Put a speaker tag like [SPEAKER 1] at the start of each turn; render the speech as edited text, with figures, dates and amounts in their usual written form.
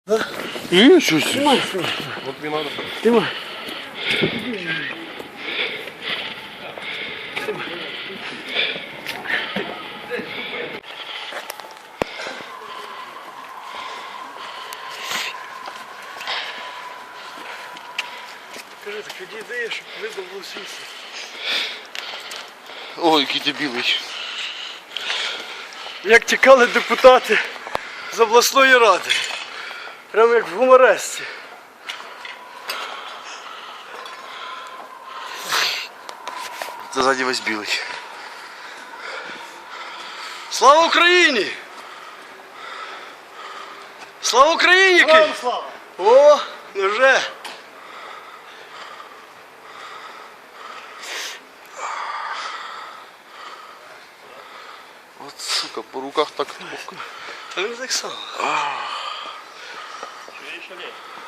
[SPEAKER 1] Да?
[SPEAKER 2] Ничего себе.
[SPEAKER 1] Снимай.
[SPEAKER 2] Вот не надо.
[SPEAKER 1] Снимай. Скажи, так іди ідея, щоб видно було світло.
[SPEAKER 2] Ой, який ти білий.
[SPEAKER 1] Як тікали депутати з обласної ради. Прямо як в гуморесці.
[SPEAKER 2] Ти ззаді весь білий.
[SPEAKER 1] Слава Україні! Слава Україні! Київ!
[SPEAKER 3] Слава!
[SPEAKER 1] О, вже!
[SPEAKER 2] От сука, по руках так.
[SPEAKER 1] Та не так само.
[SPEAKER 3] Еще нет.